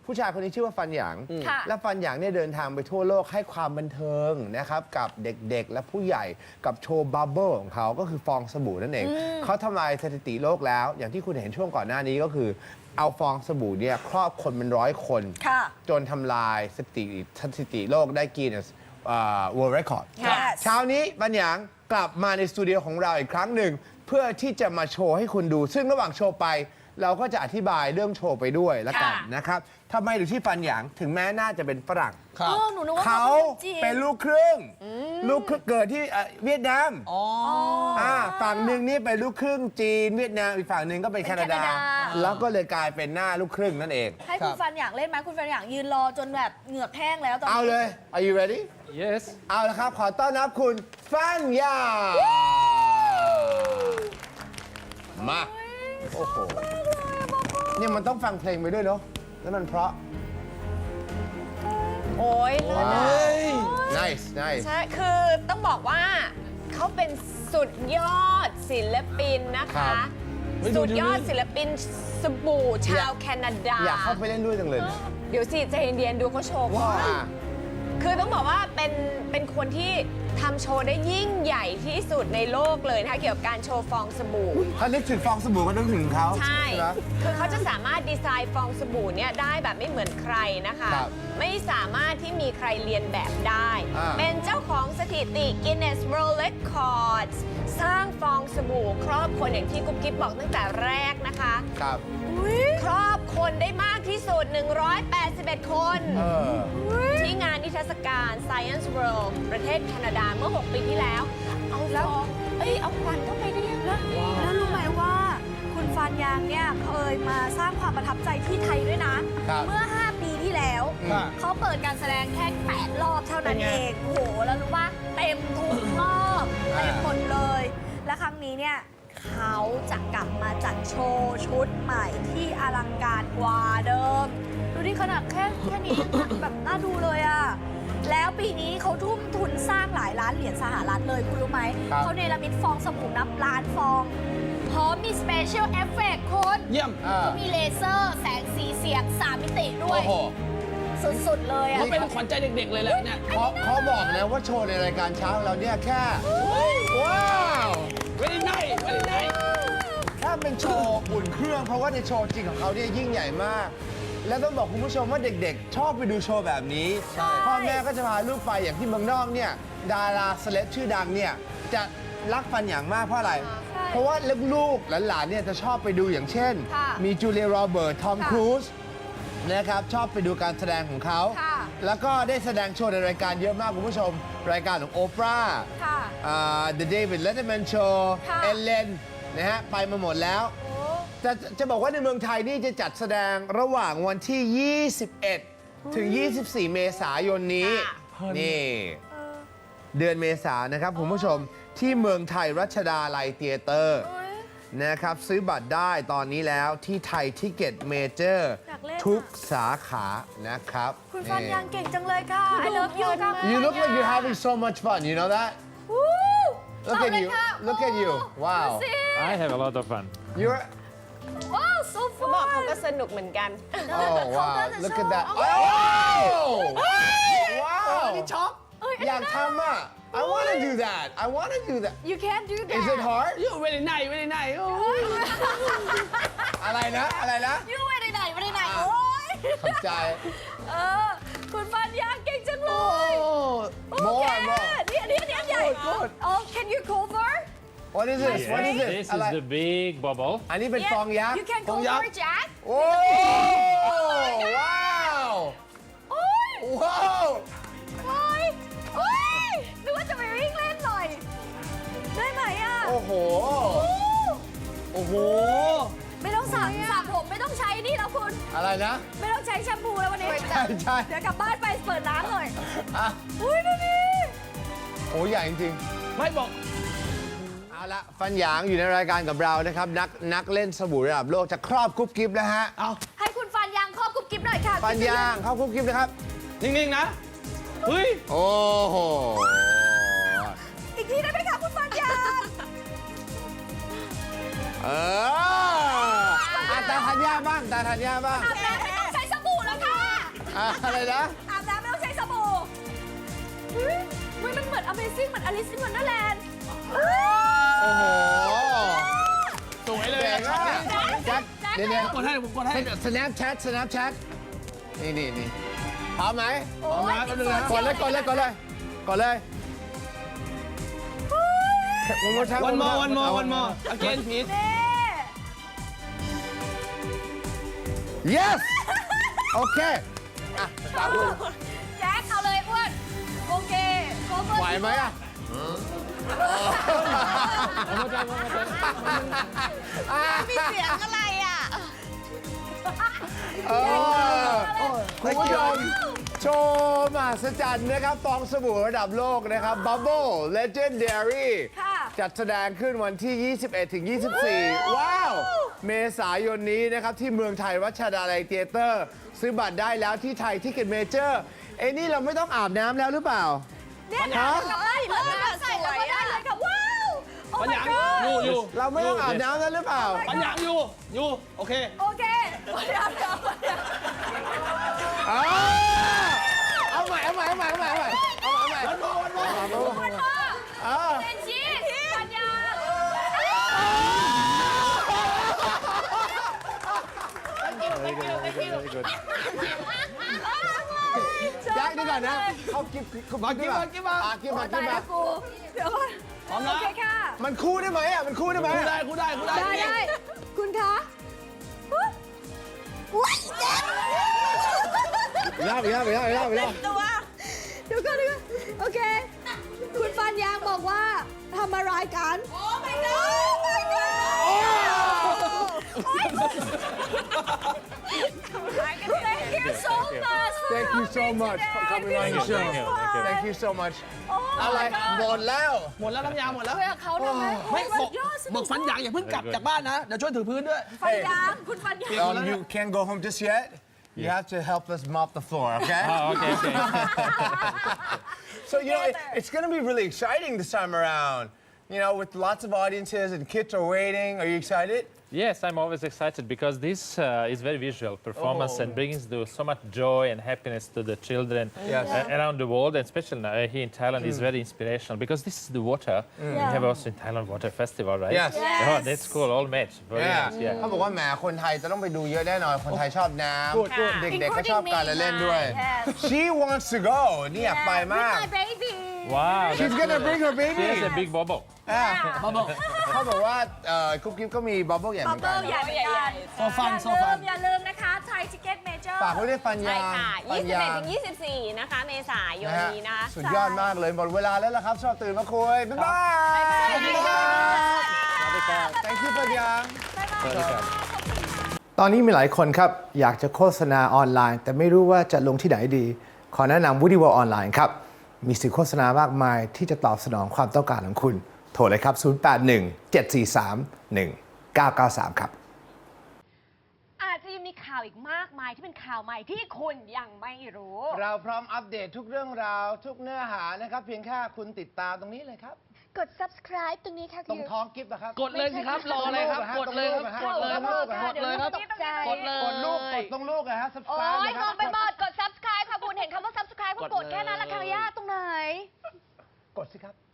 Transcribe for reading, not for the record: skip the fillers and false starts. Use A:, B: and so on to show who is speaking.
A: ผู้ชายคนนี้ชื่อว่าฟันหยาง
B: ค่ะ
A: และฟันหยางเนี่ยเดินทางไปทั่วโลกให้ความบันเทิงนะครับกับเด็กๆและผู้ใหญ่กับโชว์บับเบิลของเขาก็คือฟองสบู่นั่นเองเขาทำลายสถิติโลกแล้ว อย่างที่คุณเห็นช่วงก่อนหน้านี้ก็คือเอาฟองสบู่เนี่ยครอบคนเป็น100 คน
B: ค่ะ
A: จนทำลายสถิติโลกได้กีนส์World Record
B: Yes
A: เช้านี้บันหยางกลับมาในสตูดิโอของเราอีกครั้งหนึ่งเพื่อที่จะมาโชว์ให้คุณดู ซึ่งระหว่างโชว์ไป เราก็จะอธิบายเรื่องโชว์ไปด้วยละกัน
B: ค่ะ
A: นะครับทำไมถึงที่ฟันหยางถึงแม้น่าจะเป็นฝรั่ง
C: ครับ
B: หนูนึกว่า
A: เขา
B: จีน
A: เป็นลูกครึ่งลูกครึ่งเกิดที่เวียดนาม
C: อ๋อ
A: ฝั่งหนึ่งนี่เป็นลูกครึ่งจีนเวียดนามอีกฝั่งหนึ่งก็เป็นแคนาดา แล้วก็เลยกลายเป็นหน้าลูกครึ่งนั่นเอง
B: ให้คุณฟันอยากเล่นไหมคุณฟันอยากยืนรอจนแบบเหงือกแห้งแล้วตอน
A: เอา
B: นี้
A: เลย Are you ready
D: Yes.
A: เอาละครับ ขอต้อนรับคุณฟันหยางมาโอ้โหเนี่ยมันต้องฟังเพลงไปด้วยเนาะแล้วมันเพราะ
E: โอ้ยเลิศอะ
A: nice nice
E: ใช่ คือต้องบอกว่าเขาเป็นสุดยอดศิลปินนะ
A: ครั
E: คะ
A: บ
E: สุดยอดศิลปินสบู่ชาวแคนาดา
A: อยากเข้าไปเล่นด้วยจังเลย
E: เดี๋ยวสิใจเย็นๆดูเขาโชว์ก่อน
A: อ่า
E: คือต้องบอกว่าเป็นคนที่ทำโชว์ได้ยิ่งใหญ่ที่สุดในโลกเลยนะคะเกี่ยวกับการโชว์ฟองสบู่
A: ถ้านึกถึงฟองสบู่ก็นึกถึงเขา
E: ใช่
A: ไหม
E: คือเขาจะสามารถดีไซน์ฟองสบู่เนี่ยได้แบบไม่เหมือนใครนะคะ
A: ครับ
E: ไม่สามารถที่มีใครเรียนแบบได้
A: อ่า
E: เป็นเจ้าของสถิติ Guinness World Records สร้างฟองสบู่ครอบคนอย่างที่กุ๊บกิ๊บบอกตั้งแต่แรกนะคะ
A: ครับ
E: ครอบคนได้มากที่สุด 181 คน
A: เออ
E: ที่งานนิทรรศการ Science World ประเทศแคนาดาเมื่อ 6 ปีที่แล้ว เอาฟองเอาควันเข้าไปได้ยังไง
B: แล้วรู้ไหมว่าคุณฟันยางเนี่ยเคยมาสร้างความประทับใจที่ไทยด้วยนะ
A: ครับ
B: เมื่อ 5 ปีที่แล้ว
C: ครับ
B: เขาเปิดการแสดงแค่ 8 รอบเท่านั้นเอง โอ้โห แล้วรู้ป่ะเต็มทุกรอบเต็มหมดเลย และครั้งนี้เนี่ยเขาจะกลับมาจัดโชว์ชุดใหม่ที่อลังการกว่าเดิม ดูดิขนาดแค่นี้ยังแบบน่าดูเลยอะแล้วปีนี้เขาทุ่มทุนสร้างหลายล้านเหรียญสหรัฐเลยคุณรู้ไหม
A: ครับ
B: เขาเนรมิตฟองสบู่นับล้านฟองพร้อมมีสเปเชียลเอฟเฟกต์คุณ
C: เยี่ยม
B: เขามีเลเซอร์แสงสีเสียง 3 มิติด้ว
A: โอ้
B: ย
A: โห
B: สุด ๆ เลยอะ
C: เขาเป็นขวัญใจเด็กๆเลยแหละเนี่ย
A: เขาบอกนะว่าโชว์ในรายการเช้าของเราเนี่ยแค่ ว้าว
C: very nice very nice
A: ถ้าเป็นโชว์อุ่นเครื่อง เพราะว่าในโชว์จริงของเขาเนี่ยยิ่งใหญ่มาก และต้องบอกคุณผู้ชมว่าเด็กๆ ชอบไปดูโชว์แบบนี้ พ่อแม่ก็จะพาลูกไปอย่างที่เมืองนอกเนี่ยดาราเซเลบชื่อดังเนี่ยจะรักฟันอย่างมากเพราะอะไร เพราะว่าลูกๆหลานๆเนี่ยจะชอบไปดูอย่างเช่น
B: ค่ะ
A: มีจูเลียโรเบิร์ตทอม
B: ค่ะ
A: ครูซนะครับชอบไปดูการแสดงของเขา
B: ค่ะ
A: แล้วก็ได้แสดงโชว์ในรายการเยอะมากคุณผู้ชม รายการของโอปรา
B: ค่ะ
A: The David Letterman Show
B: ค่ะ
A: เอเลนนะฮะ ไปมาหมดแล้ว
B: โอ้
A: จะบอกว่าในเมืองไทยนี่จะจัดแสดงระหว่างวันที่ 21 ถึง 24 เมษายนนี้ นี่ เดือนเมษายนนะครับคุณผู้ชมที่เมืองไทยรัชดาลัยเตียเตอร์
B: เอ้ย
A: นะครับ ซื้อบัตรได้ตอนนี้แล้วที่ไทยทิเก็ตเมเจอร์
B: อยากเล่นอะ
A: ทุกสาขานะครับ
B: คุณฟันยางเก่งจังเลยค่ะ I love you ค่ะ
A: You look like you're having so much fun you know that
B: วู้
A: Look
B: เอา
A: at
B: เลย
A: you
B: ค่ะ
A: look at you
B: ดู
A: wow
B: สิ
D: I have a lot of fun.
A: you're
B: Wow so
E: เขาบอก
B: fun
E: เขาก็สนุกเหมือนกัน
A: oh wow
B: เขาก็จะ
A: look at
B: ชอบ
A: that
B: โอ้
A: oh wow
C: นี่ช็อก
A: อยากทำอ่ะ I want to do that I want to do that
B: You can't do that
A: Is it hard
C: you very nice very nice โอ้ย
A: อะไรนะอะไรนะ
B: You ไม่ได้ไหนไม่ได้ไหนโอ้ย
A: ขอบใจ
B: คุณฟันยางเก่งจังเล
A: โอ้
B: ย
A: โมอ่ะโม
B: นี่ใหญ่
A: Good
B: Oh can you cover
A: What is this What is this
D: This
A: อะไร
D: is the big bubble.
A: อันนี้เป็นฟองยักษ์
B: You can
A: ฟองยัก
B: cover
A: ษ์
B: Jack
A: โอ้ว้าว
B: โอ้ย
A: ว้าว
B: โอ้ยโอ้ยนึกว่าจะไปวิ่งเล่นหน่อย ได้ไหมอ่ะ
A: โอ้โห โอ้โห
B: ไม่ต้องสระผมไม่ต้องใช้นี่แล้วคุณ
A: อะไรนะ
B: ไม่ต้องใช้แชมพูแล้ววันนี้
A: ใช่ใช่
B: เดี๋ยวกลับบ้านไปเปิดน้ำหน่อย
A: อ่ะ
B: อุ้ยดูดิ
A: โอ้ใหญ่จริง
C: ไม่บอก
A: ๆเอาละฟันหยางอยู่ในรายการกับเรานะครับ นักเล่นสบู่ระดับโลกจะครอบกรุ๊ปกิ๊บแล้วฮะ
C: เอา
B: ให้คุณฟันยางครอบกุ๊บกิ๊บหน่อยค่ะ
A: ฟันหยางเข้ากรุ๊ปกิ๊บนะครับ
C: นิ่งๆนะ เฮ้ย
A: โอ้โห
B: อีกทีได้ไหมคะคุณฟันยาง
A: ตาธัญญาบ้างตาธัญญาบ้าง
B: อาบน้ำไม่ต้องใช้สบู่แล้วค่ะ
A: อะไรนะ
B: อาบน้ำไม่ต้องใช้สบู่เฮ้ยมันเหมือน Amazing เหมือน Alice in Wonderland
A: โอ้โห
C: สวยเลย
A: เก่ง
C: ช็อต
A: มาก
C: นี้
A: แจ็คเดี๋ยว
C: กดให้ผมกดให้
A: Snapchat นี่พร้อมไหม
B: โอ้ย
C: เอามา
A: กดเลยวันมอ
C: one more again please
B: นี่
A: yes โอเคอ่ะตามคุณ
B: แจ็คเอาเลยอ้วนโอเคโกเบอร์
A: ไหวไหมอ่ะ
E: มีเสียงอะไรอ่ะ
A: คุณผู้ชมโชว์มหัศจรรย์นะครับฟองสบู่ระดับโลกนะครับ Bubble Legendary
B: ค่ะ
A: จัดแสดงขึ้นวันที่ 21 ถึง 24 ว้าว เมษายนนี้นะครับ ที่เมืองไทยรัชดาลัยเธียเตอร์ ซื้อบัตรได้แล้วที่ไทยที่เก็ตเมเจอร์เอ้นี่เราไม่ต้องอาบน้ำแล้วหรือเปล่า
B: เนี่ยนะเปิดมาใส่แล้วก็ได้เลยค่ะ ว้าว โอ้
C: ปัญ
B: my
C: ญาง
B: god
C: อยู่
A: เราไม่ต้องอาบน้ำแล้วหรือเปล่า
C: ปัญญางอยู่โอเค
B: โอเคเดี๋ยว
A: เอาใหม่
C: วันมอ
B: เป็นชีสปัญญา
D: Very good.
A: แจ็คดีกว่านะเขากิบมา
C: กินมา
A: กิบมา
B: ตายแล้วกูเดี๋ยวก่อน
C: พร้อม
B: โอ
C: นะ
B: เคค่ะ
A: มันคู่ได้ไหมอ่ะ มันคู่ได้ไหม
C: กูได้กูได้
B: ได้คุณคะว้ายแจ็ค
A: อีกรอบ
B: ตัวเดี๋ยวก่อนโอเค คุณฟันยางบอกว่าทำอะไรกัน โอ้ my god โอ้ my god Thank you so much
A: Thank you so much for coming on the show Thank you so much อะไรหมดแล้ว
C: หมดแล้วน้ำยาหมดแล้ว
B: เพื่อเขาทำไม
C: ไม่บอก
B: ยอด
C: บอกฟันยางอย่าเพิ่งกลับจากบ้านนะ เดี๋ยวช่วยถือพื้นด้วย
B: ฟันยางคุณฟันยาง
A: You can't go home just yet You have to help us mop the floor okay
D: Oh, okay.
A: So you know it's going to be really exciting this time around You know with lots of audiences and kids are waiting Are you excited
D: Yes, I'm always excited because this is very visual performance and brings so much joy and happiness to the children around the world, and especially here in Thailand is very inspirational because this is the water. We have also in Thailand Water Festival, right?
A: Yes.
D: Oh, that's cool. All match. Very nice.
A: เขา
D: Yeah.
A: บอกว่าแหมคนไทยจะต้องไปดูเยอะแน่นอน คนไทยชอบน้ำ เด็กๆก็ชอบการละเล่นด้วย She wants to go นี่อยากไปมาก
B: My baby
D: Wow.
A: She's gonna bring her
D: She has
A: baby
D: a big bubble.
A: เขาบอกว่ากุ๊บกิ๊บก็มีบับเบิ้ลใหญ่เห
B: บั
A: มื
B: บ
A: อนกั
B: เบิ้
A: น
B: ลใหญ่เหมือนกัน
C: โซฟันโซฟัน
B: อย่าลืมนะคะไทยทิเก็ตเมเจอร์
A: ฝากไว้ด้วยฟัน
E: ใช่
A: ยาง
E: ค่ะ
A: ฟันยาง
E: 21 ถึง 24 นะคะ เมษายน
A: นะฮะ
E: นี้นะคะ
A: สุดยอดมากเลย หมดเวลาแล้วล่ะครับ ชอบตื่นมาคุย บ๊ายบาย
B: สวัสดีค่ะ
A: Thank you ฟันยาง
D: Welcome.
A: ตอนนี้มีหลายคนครับ อยากจะโฆษณาออนไลน์ แต่ไม่รู้ว่าจะลงที่ไหนดี ขอแนะนำ Woody World ออนไลน์ครับ มีสื่อโฆษณามากมายที่จะตอบสนองความต้องการของคุณ โทรเลยครับ 081-743-1993 ครับ
E: อาจจะยังมีข่าวอีกมากมายที่เป็นข่าวใหม่ที่คุณยังไม่รู้
A: เราพร้อมอัปเดตทุกเรื่องราว ทุกเนื้อหานะครับ เพียงแค่คุณติดตามตรงนี้เลยครับ
B: กด subscribe ตรงนี้ค่ะ
A: ตรงท้องกิฟต์นะครับ
C: กดเลยสิครับ รออะไรครับ กดเลยครับ กดเลยครับ กดเลยครับ กดเลย
A: กดลูก กดตรงลูกนะฮะ
E: โอ้
A: subscribe
E: ย
A: นะค
E: ม
A: รั
E: องไปหมดกด subscribe ค่ะคุณเห็นคำว่า subscribe ก็กดแค่นั้นละค่ะยากตรงไหน
A: กดสิครับ